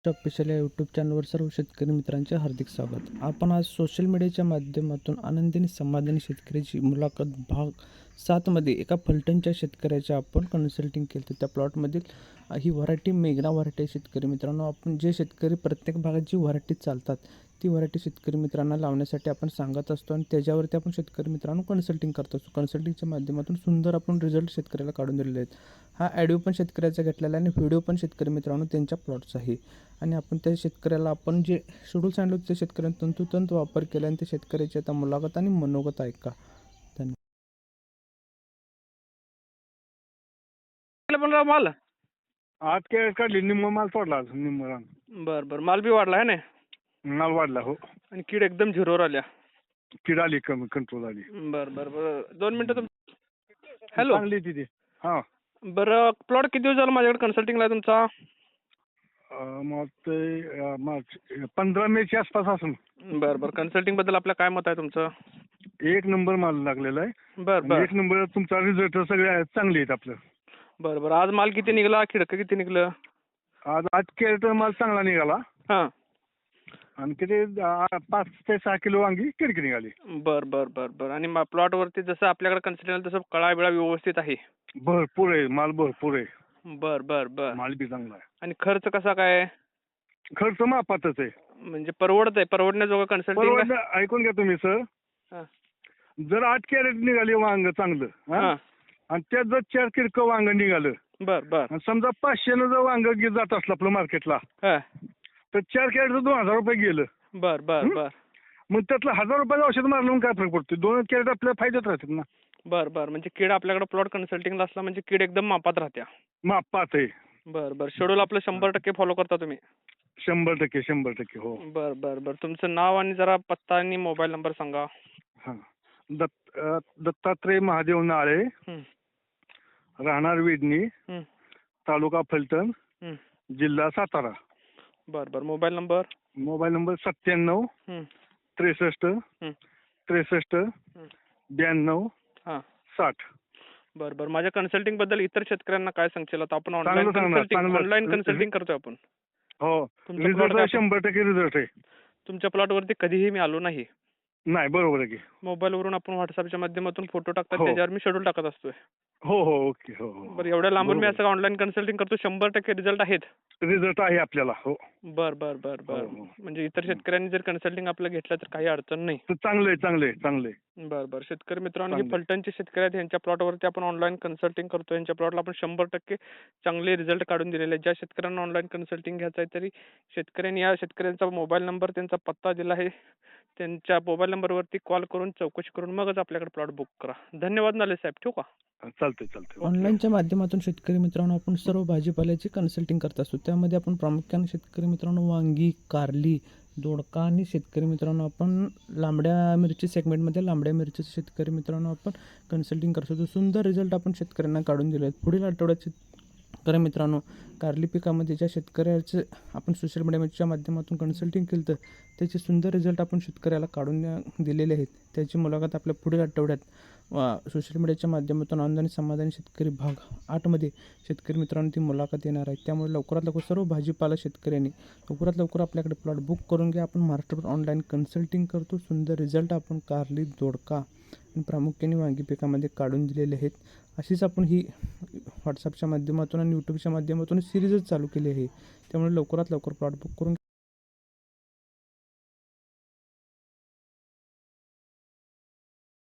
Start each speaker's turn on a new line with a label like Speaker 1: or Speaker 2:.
Speaker 1: Official या YouTube चॅनलवर सर्व शेतकरी मित्रांचे हार्दिक स्वागत. आपण आज सोशल मीडियाच्या माध्यमातून आनंदी आणि समाधानी शेतकऱ्याची मुलाखत भाग 7मध्ये एका फलटणच्या शेतकऱ्याचे आपण कन्सल्टिंग केलं. त्या प्लॉटमधील ही व्हरायटी मेघना व्हरायटी शेतकरी मित्रांनो, आपण जे शेतकरी प्रत्येक भागात जी व्हरायटी चालतात ती व्हरायटी शेतकरी मित्रांना लावण्यासाठी आपण सांगत असतो आणि त्याच्यावरती आपण शेतकरी मित्रांनो कन्सल्टिंग करत असतो. कन्सल्टिंगच्या माध्यमातून सुंदर आपण रिझल्ट शेतकऱ्याला काढून दिलेले आहेत. हा ऑडिओ पण शेतकऱ्याचा घेतलेला आहे आणि व्हिडिओ पण शेतकरी मित्रांनो त्यांच्या प्लॉटचा आहे. आणि आपण त्या शेतकऱ्याला आपण जे शेड्यूल सांगितलं त्या शेतकऱ्यांनी तंतोतंत वापर केला आणि त्या शेतकऱ्याची आता मुलाखत आणि मनोगत ऐका.
Speaker 2: पण माल
Speaker 3: आज काय काढली निम्म माल सोडला निम्म रान
Speaker 2: बर माल बी वाढला आहे ना.
Speaker 3: माल वाढला हो.
Speaker 2: आणि कीड एकदम झिरोवर आल्या.
Speaker 3: कीड आली कमी कंट्रोल आली.
Speaker 2: बर 2 मिनिटं हॅलो
Speaker 3: चांगली तिथे. हा
Speaker 2: बरं प्लॉट किती दिवस झाला माझ्याकडे कन्सल्टिंगला आहे तुमचा?
Speaker 3: मग ते मार्च 15 मेच्या आसपास असून.
Speaker 2: बरं कन्सल्टिंग बद्दल आपलं काय मत आहे तुमचं?
Speaker 3: एक नंबर माल लागलेला आहे.
Speaker 2: बरं
Speaker 3: एक नंबर तुमचा रिझल्ट सगळे चांगले आहेत आपलं.
Speaker 2: बरं आज माल किती निघाला, खिडकं किती निघलं?
Speaker 3: आज कॅरेट माल चांगला निघाला.
Speaker 2: हां
Speaker 3: आणि किती 5 ते 6 किलो वांगी किडकी निघाली.
Speaker 2: बरं आणि प्लॉट वरती जसं आपल्याकडे कन्सल्टिंग तसं कळा बिळा व्यवस्थित आहे?
Speaker 3: भरपूर आहे माल, भरपूर आहे.
Speaker 2: बरं
Speaker 3: माल बी चांगला आहे.
Speaker 2: आणि खर्च कसा काय?
Speaker 3: खर्च मापातच आहे.
Speaker 2: म्हणजे परवडण्याजोगं कन्सल्टिंग?
Speaker 3: ऐकून घ्या तुम्ही सर. जर 8 कॅरेट निघाले वांग चांगलं आणि त्यात जर 4 किडकं वांग निघालं,
Speaker 2: बरं
Speaker 3: समजा 500 जर वांग जात असलं आपलं मार्केटला, तर 4 कॅरेटचं 2000 रुपये गेलं.
Speaker 2: बरं
Speaker 3: मग त्यातलं 1000 रुपयाचं औषध मारलं काय फरक पडतो? 2 कॅरेट आपल्याला फायद्यात राहतात ना.
Speaker 2: बरं म्हणजे कीड आपल्याकडे प्लॉट कन्सल्टिंगला असला म्हणजे कीड एकदम मापात राहत्या.
Speaker 3: मापात आहे.
Speaker 2: बरं शेड्यूल आपलं 100% फॉलो करता तुम्ही?
Speaker 3: 100% हो.
Speaker 2: बरं तुमचं नाव आणि जरा पत्ता आणि मोबाईल नंबर सांगा.
Speaker 3: हां. दत्तात्रय महादेव नाळे, राहणार विडणी, तालुका फलटण, जिल्हा सातारा.
Speaker 2: बरं मोबाईल नंबर?
Speaker 3: Mobile number 97 63 63 92 60.
Speaker 2: बरं माझ्या कन्सल्टिंग बद्दल इतर शेतकऱ्यांना काय सांगशील? आता आपण ऑनलाईन कन्सल्टिंग करतोय आपण.
Speaker 3: हो, रिझल्ट 100% रिझल्ट आहे.
Speaker 2: तुमच्या प्लॉट वरती कधीही मी आलो नाही.
Speaker 3: नाही, बरोबर आहे की.
Speaker 2: मोबाईलवरून आपण व्हॉट्सअपच्या माध्यमातून फोटो टाकतात, त्याच्यावर मी शेड्यूल टाकत असतोय.
Speaker 3: हो ओके. हो.
Speaker 2: बरं एवढ्या लांबून मी असं ऑनलाईन कन्सल्टिंग करतो, 100% रिझल्ट आहेत?
Speaker 3: रिझल्ट आहे आपल्याला. हो.
Speaker 2: बरं म्हणजे इतर शेतकऱ्यांनी जर कन्सल्टिंग आपलं घेतलं तर काही अडचण नाही?
Speaker 3: चांगले.
Speaker 2: बरं शेतकरी मित्रांनो, हे फलटणचे शेतकरी आहेत. यांच्या प्लॉटवरती आपण ऑनलाईन कन्सल्टिंग करतो. यांच्या प्लॉटला आपण 100% चांगले रिझल्ट काढून दिलेले आहेत. ज्या शेतकऱ्यांना ऑनलाईन कन्सल्टिंग घ्यायचं आहे तरी शेतकऱ्यांनी या शेतकऱ्यांचा मोबाईल नंबर, त्यांचा पत्ता दिला आहे. त्यांच्या मोबाईल नंबरवरती कॉल करून चौकशी करून मगच आपल्याकडे प्लॉट बुक करा. धन्यवाद नाले साहेब, ठेवू का?
Speaker 3: चालतंय.
Speaker 1: ऑनलाईनच्या माध्यमातून शेतकरी मित्रांनो आपण सर्व भाजीपाल्याची कन्सल्टिंग करत असतो. त्यामध्ये आपण प्रामुख्याने शेतकरी मित्रांनो वांगी, कारली, दोडका आणि शेतकरी मित्रांनो आपण लांबड्या मिरची सेगमेंटमध्ये लांबड्या मिरचीचे शेतकरी मित्रांनो आपण कन्सल्टिंग करत असतो. सुंदर रिझल्ट आपण शेतकऱ्यांना काढून दिले आहेत. पुढील आठवड्यात शेतकरी मित्रांनो कारली पिकामध्ये ज्या शेतकऱ्याचे आपण सोशल मीडियाच्या माध्यमातून कन्सल्टिंग केलं तर त्याचे सुंदर रिझल्ट आपण शेतकऱ्याला काढून दिलेले आहेत. त्याची मुलाखत आपल्या पुढील आठवड्यात सोशल मीडियाच्या माध्यमातून आनंदाने समाधानी शेतकरी भाग 8मध्ये शेतकरी मित्रांनो ती मुलाखत येणार आहे. त्यामुळे लवकरात लवकर सर्व भाजीपाला शेतकऱ्यांनी लवकरात लवकर आपल्याकडे प्लॉट बुक करून घ्या. आपण महाराष्ट्रभर ऑनलाईन कन्सल्टिंग करतो. सुंदर रिझल्ट आपण कारली, दोडका आणि प्रामुख्याने वांगी पिकामध्ये काढून दिलेले आहेत. अशीच आपण ही व्हॉट्सअपच्या माध्यमातून आणि यूट्यूबच्या माध्यमातून सिरीजच चालू केली आहे. त्यामुळे लवकरात लवकर प्लॉट बुक करून